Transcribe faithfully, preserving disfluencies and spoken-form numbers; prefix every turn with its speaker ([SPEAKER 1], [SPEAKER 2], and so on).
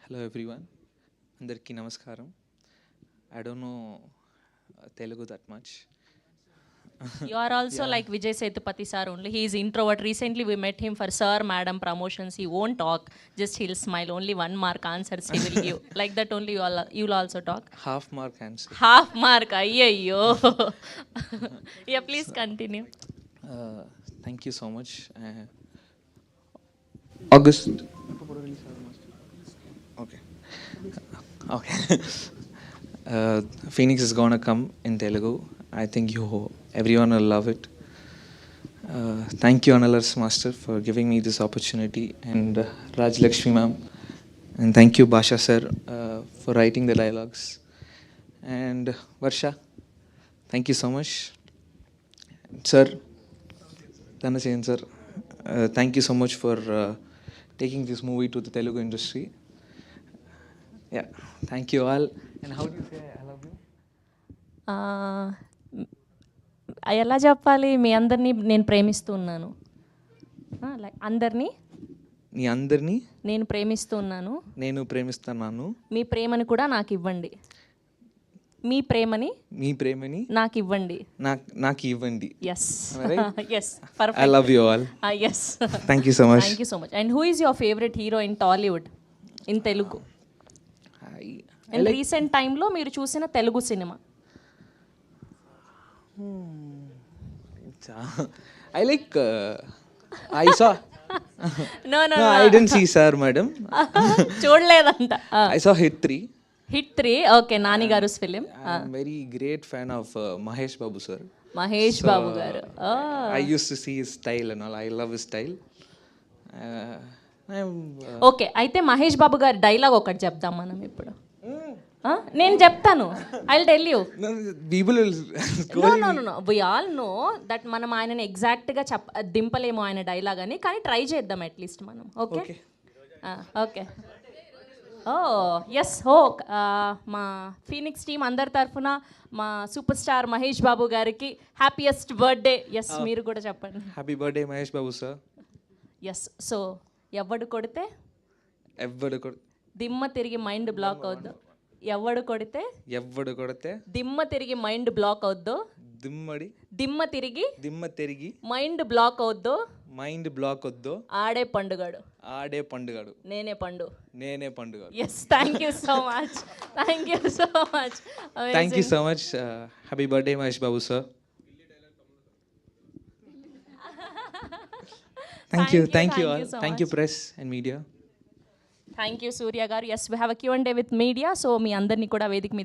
[SPEAKER 1] Hello everyone, అందరికీ నమస్కారం. I don't know Telugu that much.
[SPEAKER 2] You are also
[SPEAKER 1] Yeah.
[SPEAKER 2] like Vijay Sethupathi sir only. He is introvert. Recently we met him for sir, madam promotions. He won't talk. Just he'll smile. Only one mark answers he will give. Like that only you all you'll also talk.
[SPEAKER 1] Half mark answer.
[SPEAKER 2] Half mark. Ayyo. Yeah, please continue.
[SPEAKER 1] Uh, thank you so much. Uh, August. Okay. Okay. uh, Phoenix is gonna come in Telugu. I think you everyone will love it. Uh, thank you, Analars Master, for giving me this opportunity, and uh, Raj Lakshmi ma'am, and thank you, Basha sir, uh, for writing the dialogues, and uh, Varsha, thank you so much, sir. Dhanasean sir, uh, thank you so much for uh, taking this movie to the Telugu industry. Yeah, thank you all. And how do you say I love you?
[SPEAKER 2] Uh, ఎలా చెప్పాలి? మీ అందరినీ నేను ప్రేమిస్తూ ఉన్నాను. Like అందరినీ
[SPEAKER 1] మీ అందరినీ
[SPEAKER 2] నేను ప్రేమిస్తూ ఉన్నాను.
[SPEAKER 1] నేను ప్రేమిస్తున్నాను.
[SPEAKER 2] మీ ప్రేమని కూడా నాకు ఇవ్వండి. మీ ప్రేమని
[SPEAKER 1] మీ ప్రేమని
[SPEAKER 2] నాకు ఇవ్వండి.
[SPEAKER 1] నాకు నాకు ఇవ్వండి.
[SPEAKER 2] Yes
[SPEAKER 1] Right?
[SPEAKER 2] Yes perfect.
[SPEAKER 1] I love you all.
[SPEAKER 2] Yes
[SPEAKER 1] Thank you so much.
[SPEAKER 2] Thank you so much. And who is your favourite hero in Tollywood, in Telugu?
[SPEAKER 1] I, I
[SPEAKER 2] and
[SPEAKER 1] like
[SPEAKER 2] recent టైంలో మీరు చూసిన తెలుగు సినిమా?
[SPEAKER 1] I like uh, I saw
[SPEAKER 2] no no
[SPEAKER 1] no I didn't see sir madam.
[SPEAKER 2] చూడలేదంట.
[SPEAKER 1] I saw Hit three.
[SPEAKER 2] Hit three. Okay, Nani garu film.
[SPEAKER 1] I'm very great fan of uh, Mahesh Babu sir.
[SPEAKER 2] Mahesh
[SPEAKER 1] So,
[SPEAKER 2] Babu garu.
[SPEAKER 1] I used to see his style and all. I love his style. Uh, I'm uh,
[SPEAKER 2] okay, అయితే మహేష్ బాబు గారి dialogue ఒకటి చెప్దాం మనం ఇప్పుడు. ఆ? నేను చెప్తాను. I will tell you.
[SPEAKER 1] no, people will
[SPEAKER 2] no no no no we all know that మనం ఆయనని ఎగ్జాక్ట్గా చెప్ప దింపలేము ఆయన డైలాగ్ అని, కానీ ట్రై చేద్దాం అట్లీస్ట్ మనం. Okay
[SPEAKER 1] Okay.
[SPEAKER 2] Okay. Oh yes. Oh మా ఫీనిక్స్ టీం అందరి తరఫున మా సూపర్ స్టార్ మహేష్ బాబు గారికి హ్యాపీయెస్ట్ బర్త్డే. ఎస్, మీరు కూడా చెప్పండి.
[SPEAKER 1] Happy birthday Mahesh Babu sir.
[SPEAKER 2] Yes. So ఎవడు కొడితే
[SPEAKER 1] ఎవ్వడు కొడ
[SPEAKER 2] దిమ్మ తిరిగి మైండ్ బ్లాక్ అవుద్దు. ఎవడు కొడితే
[SPEAKER 1] ఎవ్వడు కొడితే
[SPEAKER 2] దిమ్మ తిరిగి మైండ్ బ్లాక్ అవుద్దు.
[SPEAKER 1] దిమ్మడి
[SPEAKER 2] దిమ్మ తిరిగి
[SPEAKER 1] దిమ్మ తిరిగి
[SPEAKER 2] మైండ్ బ్లాక్ అవుద్దు.
[SPEAKER 1] మైండ్ బ్లాక్ వద్దు.
[SPEAKER 2] ఆడే పండుగాడు.
[SPEAKER 1] ఆడే పండుగాడు.
[SPEAKER 2] నేనే పండు.
[SPEAKER 1] నేనే పండుగాడు.
[SPEAKER 2] Yes, thank you so much. Thank you so much.
[SPEAKER 1] Thank you so much. Happy birthday Mahesh Babu sir. Thank you thank you all. Thank you press and media.
[SPEAKER 2] Thank you Surya garu. Yes, we have a Q and A with media. So మీ అందరినీ కూడా వేదిక మీద